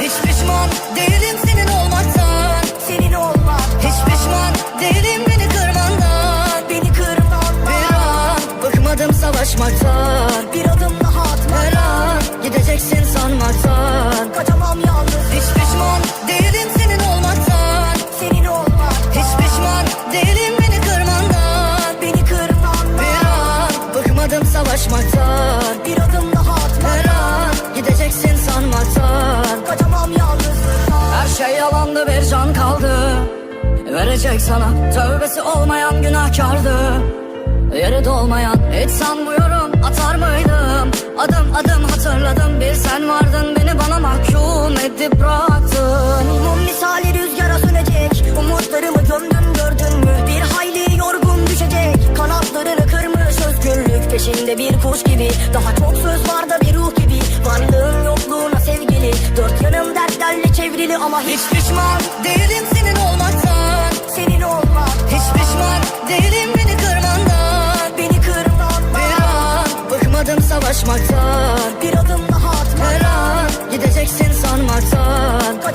Hiç pişman değilim senin olmaktan. Senin olmak. Hiç pişman değilim beni kırmandan. Beni kırmandan. Bir an bıkmadım savaşmaktan. Bir adım daha Her atmadan. an gideceksin sanmaktan. Kaçamam yalnız. Hiç pişman değilim senin olmaktan. Senin olmak. Hiç pişman değilim beni kırmandan. Beni kırmandan. Bir an bıkmadım savaşmaktan. Bir adım daha Her atmadan. an gideceksin sanmaktan. Kaçamam yalnızlıktan. Her şey yalandı, bir can kaldı verecek sana. Tövbesi olmayan günahkardı. Yeri dolmayan hiç sanmıyorum atar mıydım. Adım adım hatırladım, bir sen vardın, beni bana mahkum edip bıraktın. Mum misali rüzgara sönecek. Umutlarımı gömdün, gördün mü? Bir hayli yorgun düşecek. Kanatlarını kırmış özgürlük peşinde bir kuş gibi. Daha çok söz var da bir ruh gibi. Varlığın yokluğuna sevgili. Dört yanım dertlerle çevrili ama hiç Hiç pişman değilim senin olmaktan. senin olmak. Hiç pişman değilim beni kırmandan. Beni kırmandan. Bir an bıkmadım savaşmaktan. Bir adım daha Her atmadan. an gideceksin sanmaktan.